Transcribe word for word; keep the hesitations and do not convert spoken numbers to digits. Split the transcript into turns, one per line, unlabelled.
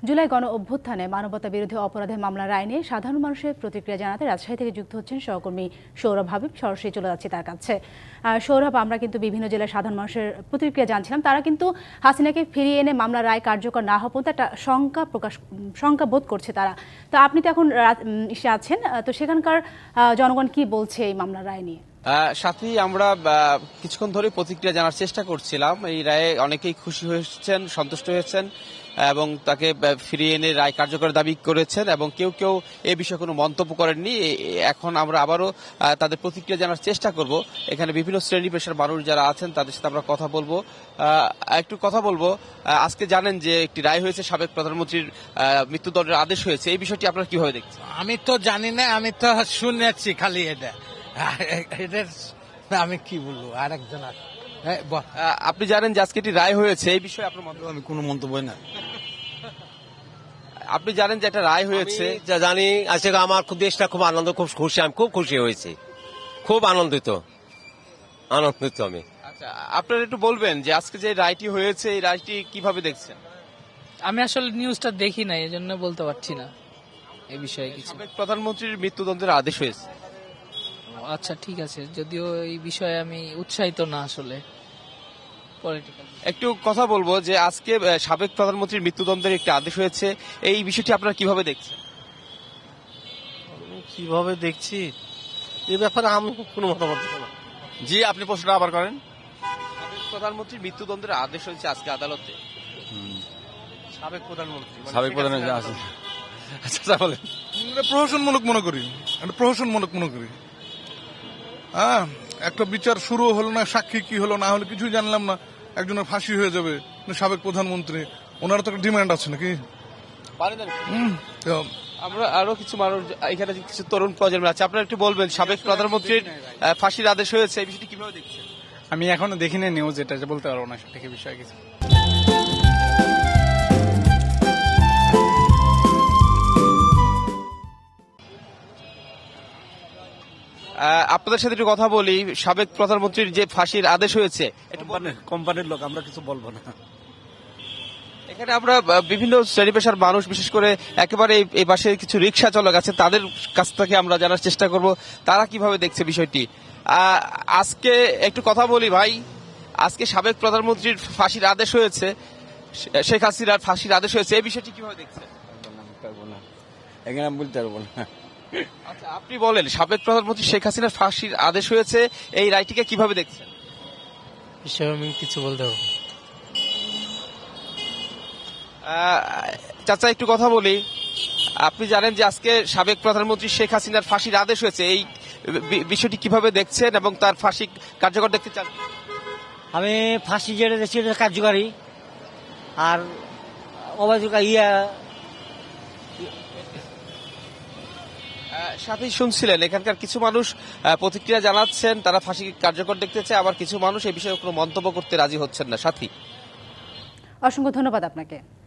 জুলাই গণ অভ্যুত্থানে মানবতা বিরোধী অপরাধের মামলার রায় নিয়ে সাধারণ মানুষের প্রতিক্রিয়া জানাতে রাজশাহী থেকে যুক্ত হচ্ছেন সহকর্মী সৌরভ হাবিব। সরাসরি চলে যাচ্ছি তার কাছে। সৌরভ, আমরা কিন্তু বিভিন্ন জেলার সাধারণ মানুষের প্রতিক্রিয়া জানছিলাম। তারা কিন্তু হাসিনাকে ফিরিয়ে এনে মামলার রায় কার্যকর না হওয়া পর্যন্ত একটা শঙ্কা প্রকাশ শঙ্কা বোধ করছে তারা। তো আপনি তো এখন এসে আছেন, তো সেখানকার জনগণ কি বলছে এই মামলার রায় নিয়ে?
সাথী, আমরা কিছুক্ষণ ধরে প্রতিক্রিয়া জানার চেষ্টা করছিলাম। এই রায়ে অনেকেই খুশি হয়েছেন, সন্তুষ্ট হয়েছেন এবং তাকে ফিরিয়ে এনে রায় কার্যকর দাবি করেছেন এবং কেউ কেউ এ বিষয়ে কোনো মন্তব্য করেননি। এখন আমরা আবারও তাদের প্রতিক্রিয়া জানার চেষ্টা করব। এখানে বিভিন্ন শ্রেণী পেশার মানুষ যারা আছেন তাদের সাথে আমরা কথা বলবো। একটু কথা বলবো। আজকে জানেন যে একটি রায় হয়েছে, সাবেক প্রধানমন্ত্রীর মৃত্যুদণ্ডের আদেশ হয়েছে। এই বিষয়টি আপনারা কিভাবে দেখছেন?
আমি তো জানি না, আমি তো শুনেছি খালি এটা এদের আমি কি বলবো। আর একজন আছে,
আপনি জানেন যে আজকে একটি রায় হয়েছে, এই বিষয়ে আপনার মন্তব্য?
আমি কোনো মন্তব্য না।
আপনি জানেন যে একটা রায় হয়েছে?
যা জানি আজকে আমার খুব দেশটা খুব আনন্দ, খুব খুশি, আমি খুব খুশি হয়েছি, খুব আনন্দিত আনন্দিত আমি।
আচ্ছা, আপনারা একটু বলবেন যে আজকে যে রায়টি হয়েছে এই রায়টি কিভাবে দেখছেন?
আমি আসলে নিউজটা দেখি না, এই জন্য বলতে পারছি না এই বিষয়ে কিছু।
সাবেক প্রধানমন্ত্রীর মৃত্যুদণ্ডের আদেশ হয়েছে।
আচ্ছা, ঠিক আছে, যদিও এই বিষয়ে আমি উৎসাহিত না আসলে পলিটিক্যাল।
একটু কথা বলবো যে আজকে সাবেক প্রধানমন্ত্রীর মৃত্যুদণ্ডের একটি আদেশ হয়েছে, এই বিষয়টি আপনারা কিভাবে দেখছেন?
কিভাবে দেখছি এই ব্যাপারে আমি কোনো মতামত দেব না।
জি, আপনি প্রশ্নটা আবার করেন। সাবেক প্রধানমন্ত্রীর মৃত্যুদণ্ডের আদেশ হয়েছে আজকে আদালতে।
সাবেক প্রধানমন্ত্রী
সাবেক প্রধানমন্ত্রী আছে।
আচ্ছা, বলেন।
প্রহসনমূলক মনে করি, একটা প্রহসনমূলক মনে করি। হ্যাঁ, একটা বিচার শুরু হলো না, সাক্ষী কি হলো না হলো কিছুই জানলাম না, একজনের ফাঁসি হয়ে যাবে। সাবেক প্রধানমন্ত্রী, ওনার তো একটা ডিমান্ড আছে নাকি?
আমরা আরো কিছু মানুষ এখানে কিছু তরুণ প্রজন্ম আছে, আপনারা একটু বলবেন সাবেক প্রধানমন্ত্রীর ফাঁসির আদেশ হয়েছে, এই বিষয়টি কিভাবে দেখছেন?
আমি এখনো দেখিনি নিউজ, এটা যে বলতে পারবো না সঠিক বিষয়ে কিছু।
আপনাদের সাথে একটু কথা বলি। সাবেক প্রধানমন্ত্রীর যে ফাঁসির আদেশ হয়েছে,
কোম্পানির লোক, আমরা কিছু বলবো না।
এখানে আমরা বিভিন্ন শ্রেণী পেশার মানুষ, বিশেষ করে একেবারে এই পাশে কিছু রিক্সা চালক আছে, তাদের কাছ থেকে আমরা জানার চেষ্টা করব তারা কিভাবে দেখছে বিষয়টি। আজকে একটু কথা বলি ভাই, আজকে সাবেক প্রধানমন্ত্রীর ফাঁসির আদেশ হয়েছে, শেখ হাসিনার ফাঁসির আদেশ হয়েছে, এই বিষয়টি কিভাবে দেখছেন?
এখানে আমি বলতে পারবো না।
আচ্ছা, আপনি বলেন, সাবেক প্রধানমন্ত্রী শেখ হাসিনার ফাঁসির আদেশ হয়েছে, এই রায়টিকে কিভাবে দেখছেন?
বিষয়ে আমি কিছু বলতে পারবো।
চাচা, একটু কথা বলি। আপনি জানেন যে আজকে সাবেক প্রধানমন্ত্রী শেখ হাসিনার ফাঁসির আদেশ হয়েছে, এই বিষয়টি কিভাবে দেখছেন এবং তার ফাঁসি কার্যকর দেখতে চান?
আমি ফাঁসি যেটা দেখছি কার্যকারী, আর অবাধ ইয়া
সাথে শুনছিলেন এখানকার কিছু মানুষ প্রতিক্রিয়া জানাচ্ছেন, তারা ফাঁসি কার্যকর দেখতে চায়, আবার কিছু মানুষ এই বিষয়ে কোনো মন্তব্য করতে রাজি হচ্ছেন না। সাথী,
অসংখ্য ধন্যবাদ আপনাকে।